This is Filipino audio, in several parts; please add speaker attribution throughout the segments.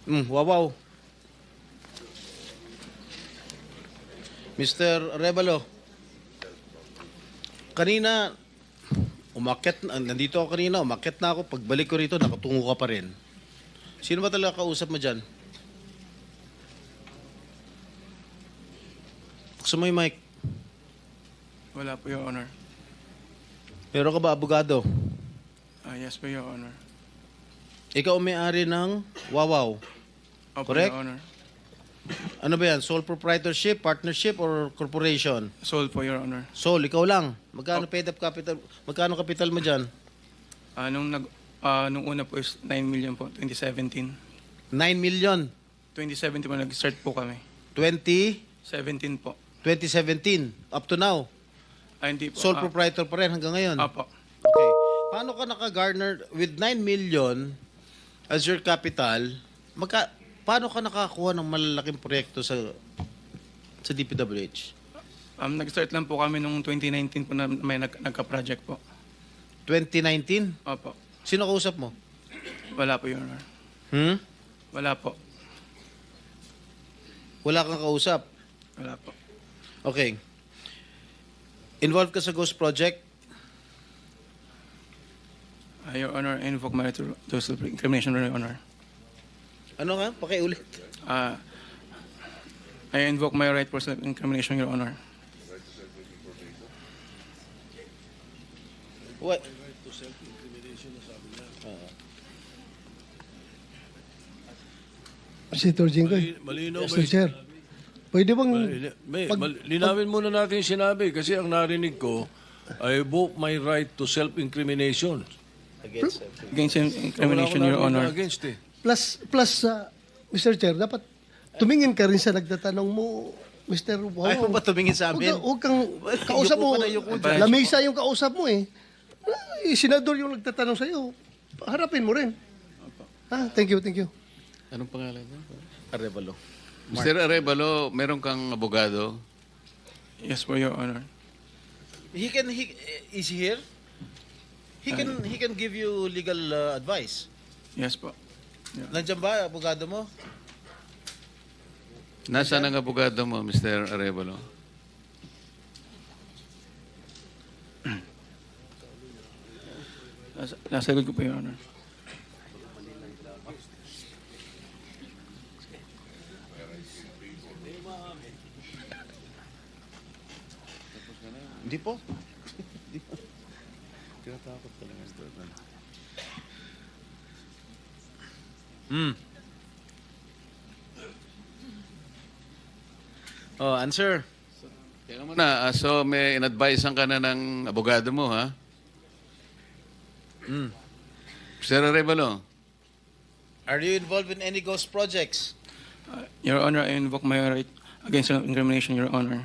Speaker 1: Wawaw. Mr. Revalo, kanina, nandito ako kanina, umakyat na ako. Pagbalik ko rito, nakatungo ka pa rin. Sino ba talaga kausap mo dyan? Buksan mo yung mic.
Speaker 2: Wala po, Your Honor.
Speaker 1: Pero ka ba abogado?
Speaker 2: Yes po, Your Honor.
Speaker 1: Ikaw ang may-ari ng Wawaw.
Speaker 2: Opo,
Speaker 1: Correct?
Speaker 2: Your Honor.
Speaker 1: Ano ba yan? Sole proprietorship, partnership, or corporation?
Speaker 2: Sold po, Your Honor.
Speaker 1: Sole, ikaw lang. Magkano paid up capital? Magkano capital mo dyan?
Speaker 2: Nung una po is 9 million po, 2017.
Speaker 1: 9 million.
Speaker 2: 2017 po, nag-start po kami.
Speaker 1: 2017.
Speaker 2: 17 po.
Speaker 1: Up to now.
Speaker 2: Hindi po.
Speaker 1: Sole proprietor pa rin hanggang ngayon.
Speaker 2: Apo.
Speaker 1: Okay. Paano ka naka-garner with 9 million as your capital? Paano ka nakakuha ng malalaking proyekto sa DPWH?
Speaker 2: Nag-start lang po kami nung 2019 po na may nagka-project po.
Speaker 1: 2019?
Speaker 2: Opo.
Speaker 1: Sino kausap mo?
Speaker 2: Wala po, Your Honor. Wala po.
Speaker 1: Wala kang kausap?
Speaker 2: Wala po.
Speaker 1: Okay. Involved ka sa Ghost Project?
Speaker 2: Your Honor, I invoke my right to self-incrimination, Your Honor.
Speaker 1: Ano nga? Pakiulit.
Speaker 2: I invoke my right for self-incrimination, Your Honor.
Speaker 1: What?
Speaker 3: Senator Jinggoy.
Speaker 4: Malinaw ba
Speaker 3: Mr. Chair. Pwede bang...
Speaker 4: linawin muna natin yung sinabi kasi ang narinig ko, I invoke my right to self-incrimination.
Speaker 1: Against
Speaker 2: Against
Speaker 4: Wala
Speaker 2: incrimination,
Speaker 4: akong
Speaker 2: Your
Speaker 4: narinig na
Speaker 2: Honor.
Speaker 4: against eh.
Speaker 3: Plus, Mr. Chair, dapat tumingin ka rin sa nagtatanong mo, Mr. Wow.
Speaker 1: Ayaw ba tumingin sa amin?
Speaker 3: Huwag kang kausap
Speaker 1: Yuko
Speaker 3: mo.
Speaker 1: ka na, yuko dyan.
Speaker 3: Lamesa yung kausap mo eh. Senador yung nagtatanong sa'yo. Harapin mo rin. Thank you, thank you.
Speaker 5: Anong pangalan niya?
Speaker 1: Arevalo.
Speaker 5: Mr. Arevalo, meron kang abogado?
Speaker 2: Yes po, Your Honor.
Speaker 1: Is he here? He can give you legal advice.
Speaker 2: Yes po.
Speaker 1: Nandiyan ba, abogado mo?
Speaker 5: Nasaan ang abogado mo, Mr. Arevalo?
Speaker 2: Nasa likod ko po, Your Honor.
Speaker 1: Hindi po.
Speaker 5: Tinatakot ka lang, Mr. Arevalo.
Speaker 1: Oh, answer.
Speaker 5: Teka muna, so may in-advisean ka na ng abogado mo, ha? Mr. Arevalo,
Speaker 1: Are you involved in any ghost projects?
Speaker 2: Your Honor, I invoke my right against self-incrimination, Your Honor.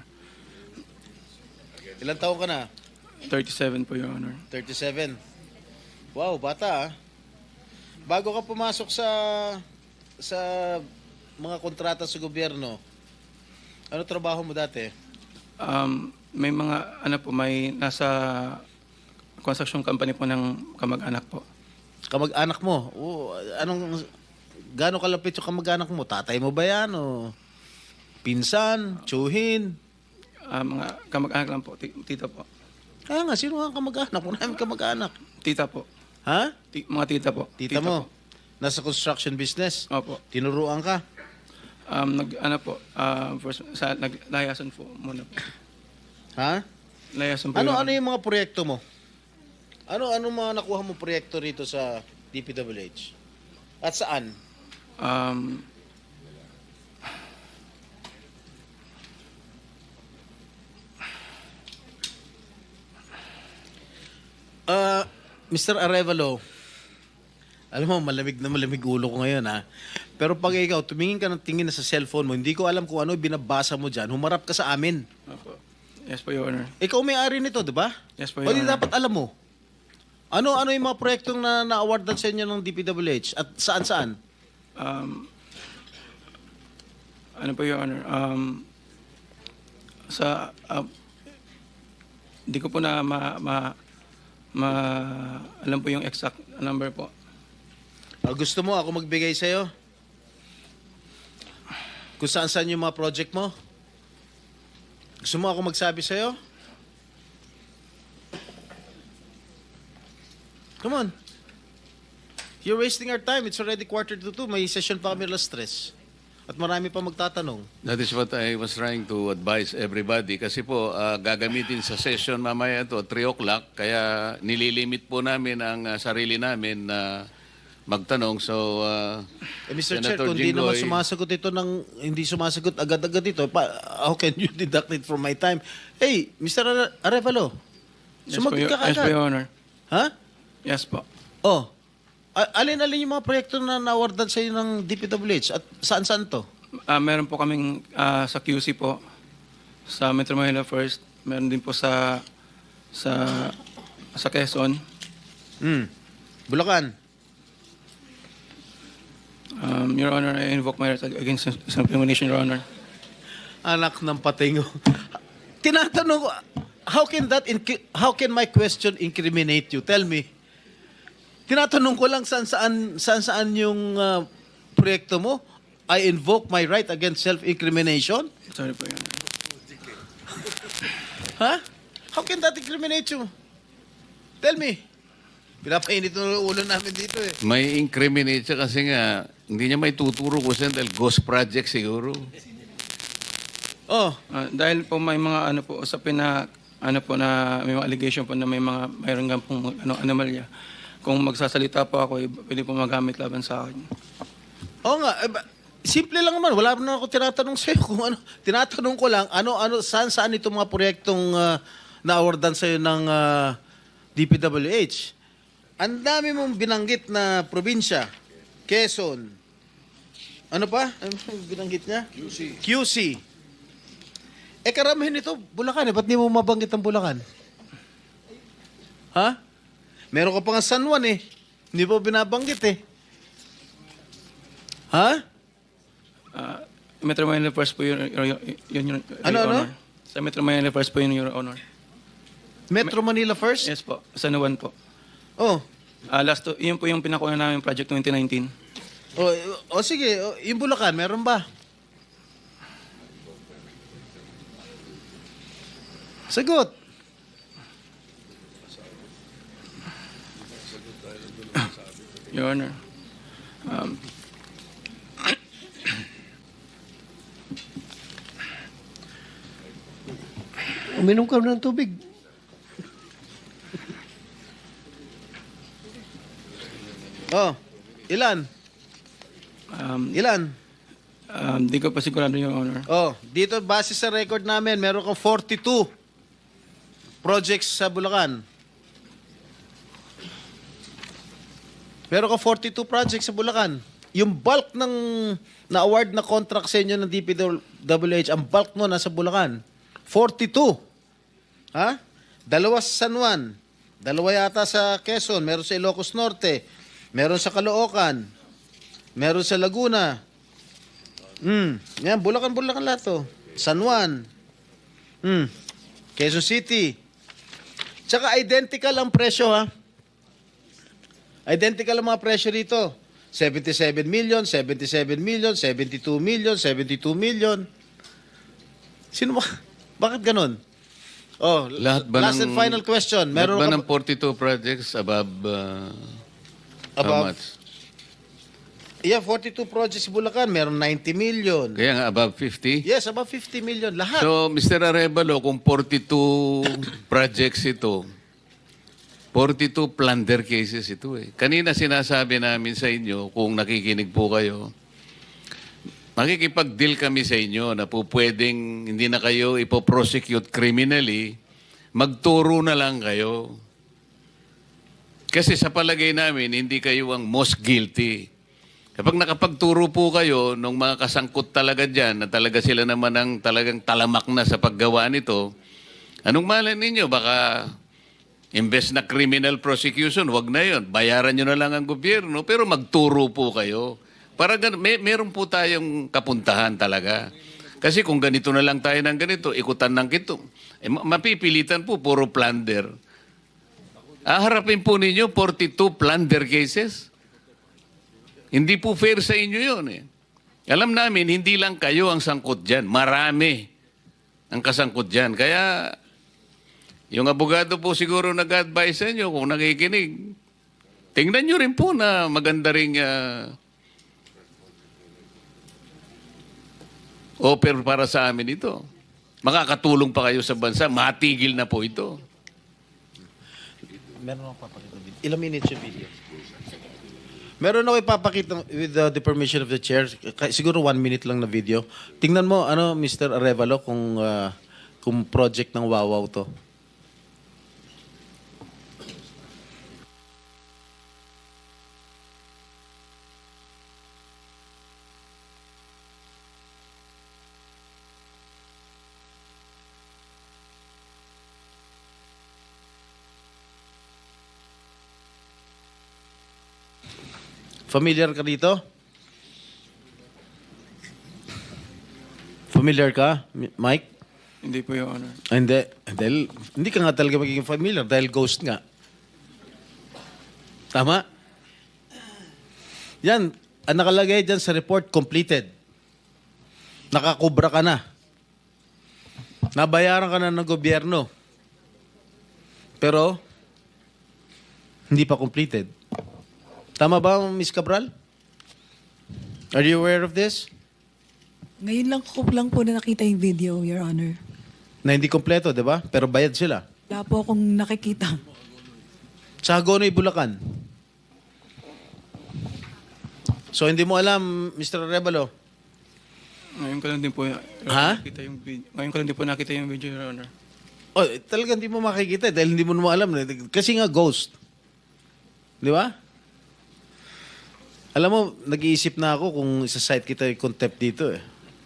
Speaker 1: Ilang taon ka na?
Speaker 2: 37 po, Your Honor.
Speaker 1: 37. Wow, bata ah. Bago ka pumasok sa mga kontrata sa gobyerno, ano trabaho mo dati?
Speaker 2: May mga, may nasa construction company po ng kamag-anak po.
Speaker 1: Kamag-anak mo? Gano'ng kalapit yung kamag-anak mo? Tatay mo ba yan? O pinsan? Tsuhin?
Speaker 2: Mga kamag-anak lang po, tita po.
Speaker 1: Kaya nga, sino nga ang kamag-anak? Wala namin kamag-anak.
Speaker 2: Tita po.
Speaker 1: Ha?
Speaker 2: Mga tita po.
Speaker 1: Tita mo?
Speaker 2: Po.
Speaker 1: Nasa construction business?
Speaker 2: Opo.
Speaker 1: Tinuruan ka?
Speaker 2: Naglayasan po muna po.
Speaker 1: Ha?
Speaker 2: Layasan po.
Speaker 1: Ano
Speaker 2: Your Honor.
Speaker 1: yung mga proyekto mo? Ano mga nakuha mo proyekto rito sa DPWH? At saan? Mr. Arevalo, alam mo, malamig na malamig ulo ko ngayon ha. Pero pag ikaw, tumingin ka ng tingin na sa cellphone mo, hindi ko alam kung ano binabasa mo dyan, humarap ka sa amin.
Speaker 2: Opo. Yes po, Your Honor.
Speaker 1: Ikaw may-ari nito, di ba?
Speaker 2: Yes po,
Speaker 1: O
Speaker 2: Your
Speaker 1: di
Speaker 2: Honor.
Speaker 1: dapat alam mo. Ano yung mga proyektong na-awardan sa inyo ng DPWH at saan-saan?
Speaker 2: Ano po, Your Honor? Hindi ko po na alam po yung exact number po.
Speaker 1: Gusto mo ako magbigay sa'yo? kung saan-saan yung mga project mo? Gusto mo ako magsabi sa'yo? Come on. You're wasting our time. It's already 1:45. May session pa kami alas 3. At marami pa magtatanong.
Speaker 5: That is what I was trying to advise everybody. Kasi po, gagamitin sa session mamaya to 3 o'clock. Kaya nililimit po namin ang sarili namin na magtanong. So,
Speaker 1: Mr. Chair,
Speaker 5: Senator
Speaker 1: kung di naman
Speaker 5: Jinggoy-
Speaker 1: sumasagot ito hindi sumasagot agad-agad ito, how can you deduct it from my time? Hey, Mr. Arevalo, sumagot ka
Speaker 2: Yes po,
Speaker 1: agad.
Speaker 2: Your Honor.
Speaker 1: Ha?
Speaker 2: Yes po.
Speaker 1: Oh, alin-alin yung mga proyekto na na-awardan sa'yo ng DPWH at saan-saan to?
Speaker 2: Meron po kaming sa QC po, sa Metro Manila First. Meron din po sa Quezon.
Speaker 1: Bulacan.
Speaker 2: Your Honor, I invoke my right against self-incrimination, Your Honor.
Speaker 1: Anak ng patingo. Tinatanong ko, how can my question incriminate you? Tell me. Tinatanong ko lang saan yung proyekto mo. I invoke my right against self-incrimination?
Speaker 2: Sorry po, Your Honor.
Speaker 1: Ha? How can that incriminate you? Tell me. Pinapainit ng ulo namin dito eh.
Speaker 5: may incriminate siya kasi nga, hindi niya may tuturo ko siya dahil ghost project siguro.
Speaker 1: Oh,
Speaker 2: Dahil po may mga usapin na na may mga allegation po na mayroon nga pong anomalya. Kung magsasalita po ako, pwede po magamit laban sa akin.
Speaker 1: oo nga. Simple lang naman. Wala na ako tinatanong sa'yo kung ano. Tinatanong ko lang, saan itong mga proyektong na-awardan sa'yo ng DPWH. Ang dami mong binanggit na probinsya. Quezon. Ano pa? Ano binanggit niya? QC. Karamihan ito, Bulacan. Ba't di mo mabanggit ang Bulacan? Ha? Meron ka pa nga San Juan eh. Hindi mo binabanggit eh. Ha?
Speaker 2: Metro Manila First po yun, Your
Speaker 1: Ano?
Speaker 2: Honor. Sa Metro Manila First po yun, Your Honor.
Speaker 1: Metro Manila first?
Speaker 2: Yes po, San Juan po.
Speaker 1: Oh.
Speaker 2: Yun po yung pinakuha namin project 2019.
Speaker 1: Sige. Yung Bulacan, meron ba? Sagot.
Speaker 2: Your Honor.
Speaker 3: Uminom ka ng tubig.
Speaker 1: Oh. Ilan? Ilan?
Speaker 2: Di ko pa sigurado, Your Honor.
Speaker 1: Oh, dito base sa record namin, meron kang 42 projects sa Bulacan. Meron kang 42 projects sa Bulacan. Yung bulk ng na-award na contract sa inyo ng DPWH, ang bulk mo nasa Bulacan. 42. Ha? 2 sa San Juan. 2 yata sa Quezon. Meron sa Ilocos Norte. Meron sa Caloocan. Meron sa Laguna. Yan, Bulacan lahat to. San Juan. Quezon City. Tsaka identical ang presyo, ha? Identical ang mga presyo rito. 77 million, 77 million, 72 million, 72 million. Sino ba? Bakit ganun? Oh,
Speaker 5: Lahat ba
Speaker 1: last and final question.
Speaker 5: Meron
Speaker 1: Meron
Speaker 5: ba
Speaker 1: ka
Speaker 5: ng 42 projects above, how
Speaker 1: Above?
Speaker 5: much?
Speaker 1: Yeah, 42 projects sa Bulacan. Meron 90 million.
Speaker 5: Kaya nga above 50?
Speaker 1: Yes, above 50 million. Lahat.
Speaker 5: So, Mr. Arevalo, kung 42 projects ito, 42 plunder cases ito eh. Kanina sinasabi namin sa inyo, kung nakikinig po kayo, makikipag-deal kami sa inyo na po pwedeng hindi na kayo ipoprosecute criminally, magturo na lang kayo. Kasi sa palagay namin, hindi kayo ang most guilty. Kapag nakapagturo po kayo nung mga kasangkot talaga dyan, na talaga sila naman ang talagang talamak na sa paggawa nito, anong malay ninyo? Baka imbes na criminal prosecution, wag na yon. Bayaran nyo na lang ang gobyerno, pero magturo po kayo. Para meron po tayong kapuntahan talaga. Kasi kung ganito na lang tayo ng ganito, ikutan ng kito, mapipilitan po, puro plunder. Harapin po ninyo 42 plunder cases. Hindi po fair sa inyo yun eh. Alam namin, hindi lang kayo ang sangkot dyan. Marami ang kasangkot dyan. Kaya, yung abogado po siguro nag-advise sa inyo kung nakikinig. Tingnan nyo rin po na maganda ring offer para sa amin ito. Makakatulong pa kayo sa bansa. Matigil na po ito.
Speaker 1: Meron ako papakita video. Ilang minutes yung video? Meron ako ipapakita with the permission of the chair. Siguro 1 minute lang na video. Tingnan mo, Mr. Arevalo, kung project ng Wawaw to. Familiar ka dito? Familiar ka, Mike?
Speaker 2: Hindi po, Your Honor.
Speaker 1: Hindi. Dahil, hindi ka nga talaga magiging familiar dahil ghost nga. Tama? Yan. Ang nakalagay dyan sa report, completed. Nakakubra ka na. Nabayaran ka na ng gobyerno. Pero, hindi pa completed. Tama ba, Ms. Cabral? Are you aware of this?
Speaker 6: Ngayon lang po na nakita yung video, Your Honor.
Speaker 1: Na hindi kompleto, di ba? Pero bayad sila.
Speaker 6: Wala po akong nakikita.
Speaker 1: Sa Hagonoy, Bulacan. So, hindi mo alam, Mr. Arevalo?
Speaker 2: Ngayon ko lang din po,
Speaker 1: Ha?
Speaker 2: nakita yung video. Ngayon ko lang din po nakita yung video, Your Honor.
Speaker 1: Oh, talagang hindi mo makikita dahil hindi mo naman alam. Kasi nga ghost. Di ba? Alam mo, nag-iisip na ako kung isa-site kita yung contempt dito eh.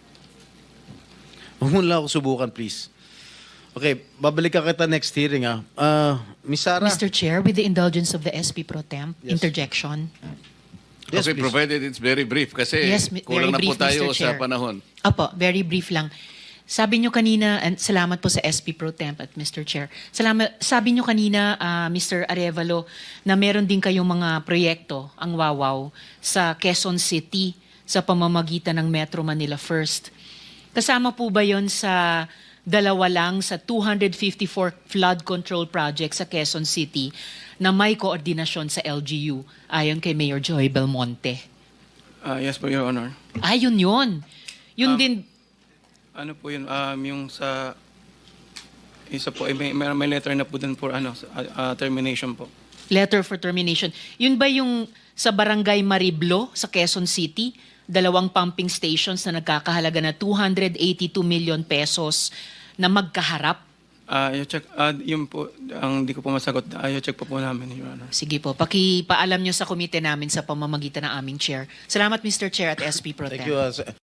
Speaker 1: Huwag mo lang ako subukan, please. Okay, babalik ka kita next hearing ah. Miss Sarah?
Speaker 7: Mr. Chair, with the indulgence of the SP Pro Temp,
Speaker 1: Yes.
Speaker 7: interjection.
Speaker 1: Yes,
Speaker 5: Okay,
Speaker 1: please.
Speaker 5: provided it's very brief. Kasi
Speaker 7: Yes,
Speaker 5: kulang
Speaker 7: very
Speaker 5: na po
Speaker 7: brief,
Speaker 5: tayo
Speaker 7: Mr.
Speaker 5: sa
Speaker 7: Chair.
Speaker 5: panahon.
Speaker 7: Opo, very brief lang. Sabi nyo kanina, and salamat po sa SP Pro Temp at Mr. Chair. Sabi nyo kanina, Mr. Arevalo, na meron din kayong mga proyekto, ang Wawaw, sa Quezon City sa pamamagitan ng Metro Manila First. Kasama po ba yon sa dalawa lang sa 254 flood control projects sa Quezon City na may koordinasyon sa LGU ayon kay Mayor Joy Belmonte?
Speaker 2: Yes po, Your Honor.
Speaker 7: Ayun yun. Yun din,
Speaker 2: Ano po yun, yung sa isa po, may letter na po dun for termination po.
Speaker 7: letter for termination. Yun ba yung sa Barangay Mariblo sa Quezon City? 2 pumping stations na nagkakahalaga na 282 million pesos na magkaharap?
Speaker 2: I-check, yun po, ang di ko po masagot, i-check po namin, Your Honor.
Speaker 7: Sige po, pakipaalam nyo sa komite namin sa pamamagitan ng aming chair. Salamat, Mr. Chair at SP Pro Tem.
Speaker 1: Thank you.